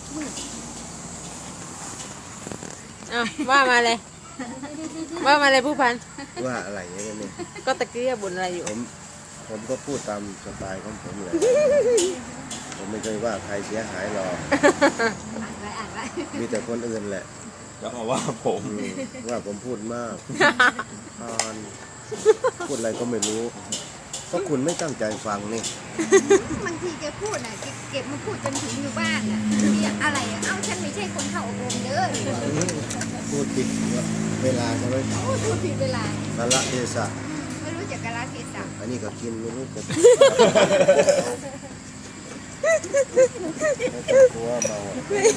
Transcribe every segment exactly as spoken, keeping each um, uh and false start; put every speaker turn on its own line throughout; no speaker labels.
อ้าวว่ามาเลยว่ามาเลยผู้พัน
ว่าอะไรเนี่ยเนี่ย
ก็ตะกี้บ่นอะไรอยู่
ผมผมก็พูดตามสไตล์ของผมเลยผมไม่เคยว่าใครเสียหายหรอกมีแต่คนอื่นแหละ
ก็มาว่าผม
อืมว่าผมพูดมากตอนพูดอะไรก็ไม่รู้เพราะคุณไม่ตั้งใจฟังนี่
บางทีแกพูดน่ะแกเก็บมาพูดจนถึงอยู่บ้านน่ะเรียกอะไรอ่ะเอ้าฉันไม่ใช่คนเข้าอบรมเด้อ
พูดผิดเวลาใช่ไหม
โอ้พูดผิดเวลา
สาระเทศะ
ไม่รู้จักกาลเทศะ
อันนี้ก็กินไม่รู้จะไม่ต้องกลัวเมาอ่ะ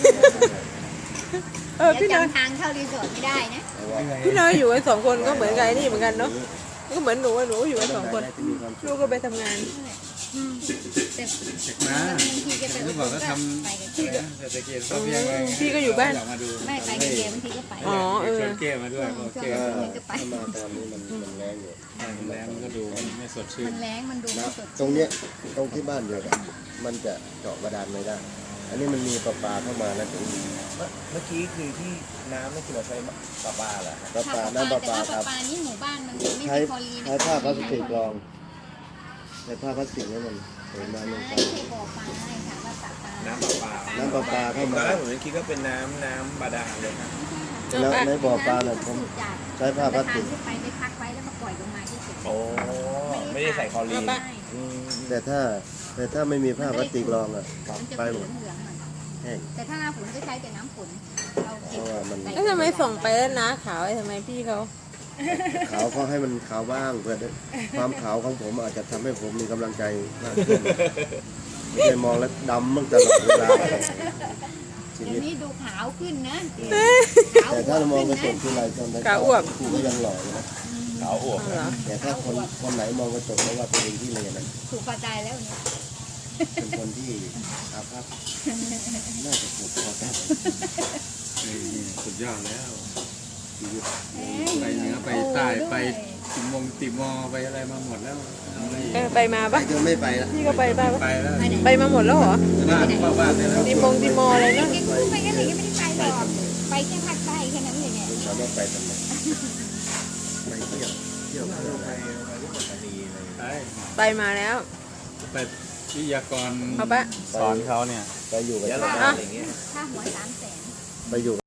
เออ
เดี๋ยว
พี่น้อย
จำทางเข้ารีสอร์ทไม่ได้นะ
แต่ว่า
พี่น้อยอยู่กันสองคนก็เหมือนกันนี่เหมือนกันเนาะก็เหมือนหนูอะหนูอยู่กันสองคน
ได้ที่มีความสุ
ลูก
ข
ก็ไปทำงาน
แต่
มา
บางทีแกไป
นึกบอกว่าทำ
ไปกับ
อะไรนะเศรษฐกิจพอเพียงเลย
พี่ก็อยู่บ้าน
อยากมาดู
ไม่ไปกับแกบางทีก็ไป
อ๋อเออ
ชวนเก้มาด้วยโอเค
ถ้าถ้ามาตอนนี้มันมันแรงอยู่
มันแรงมันก็ดูไม่สดชื่
มัน นแรงมันดูไม่
นะ
สด
ตรงเนี้ยตรงที่บ้านเดียวกันมันจะเจาะบาดาลไม่ได้ อันนี้มันมีประปาเข้ามาแล้วถึง
เมื่อกี้คือที่น้ำไม่คือเราใช้ปลาปลาเหรอ
ประปา
ถ้า
น้ำประ
แต่
ปา
ถ้า
ค
ป
รั
ลา
บ
ปลานี่หมู่บ้านมันไม่
ใช้
มีคลอรีน
ใช้ผ้าพลาสติกรองใช้ผ้าพลาสติกนี่มันเห็นมาลงไป
ไม่ใช่บ่อปลาให้ค่ะว่าปลาปลา
น้ำปลาปลา
น้ำประปา
ต
เข้า
อน
มา
แรกผมยังคิดว่าเป็นน้ำน้ำบาดาลเลยครับ
แล้วในบ่อปลาเนี่ยผมใช้ผ้าพลาสติก
ขึ้นไปไปพักไว้แล้วมาปล่อยลงมาที่สุด
โอ้ไม่ได้ใส่คลอรีน
อืมแต่ถ้าแต่ถ้าไม่มีผ้าพลาสติกรองอ่ะ
มันจะ
ไป
เห
หม
ลื
ด
องเหลืองๆหน่อย
แห้ง
แต่ถ้าหน้าฝนก็ใช้แต่น้ำฝนเรา
เพ
เก็บ
ราะว่ามัน
แล้วทำไมส่งไปแล้วนะขาวไอ้ทำไมพี่เขา
ขาวเขาให้มันขาวบ้างเพื่อได้ความขาวของผมอาจจะทำให้ผมมีกำลังใจมากขึ้นไม่ใช่มองแล้วดำมั่งตลอดเวลาชี
เดี๋
วิ
ย
ต
วนี้ดูขาวขึ้นนะ
แต่ถ้าเรามองกระจกทีไรตอนนั้นกูก็ยังหล่ออยู่นะ
ขาวอวบ
เอาเหรอ
แต่ถ้าคนคนไหนมองกระจกแล้วว่าตัวเองที่เลยนั้น
ถูกพอใจแล้วเนี่ย
เป็นคนที่อาภัพน่าจะถูกพอใจ
นี่สุดยอดแล้ว
ชีวิต
ไปเหนือไปใต้ไปติมงติมอไปอะไรมาหมดแล้วเอาอะไรอีก
เออไปมา
ไป
ปะ
จนไม่ไปละ
พี่ก็ไปบ้างปะ
ไปแล้ว
ไปมาหมดแล้วเหรอ
บ้านเข้าบ้านได้แล้ว
ติมงติมออะไรเนาะ
แกกู้ไปกันเลยก็ไม่ได้ไปหรอกไปแค่ภาคใต้แค่นั้นเลยเนี่ย
ถามว่าไปทำไมไปเที่ยวเที่ยวเที่ยว
ไปไปที่ปัตตานีอะไร
ไป
ไปมาแล้ว
ไปวิทยากร
เอาปะ
สอนเขาเนี่ย
ไปอยู่กับ
ยะ
ชาว
ลา
บ้าน
อะไรเงี้ย
ถ้าหัวสามแสน
ไปอยู่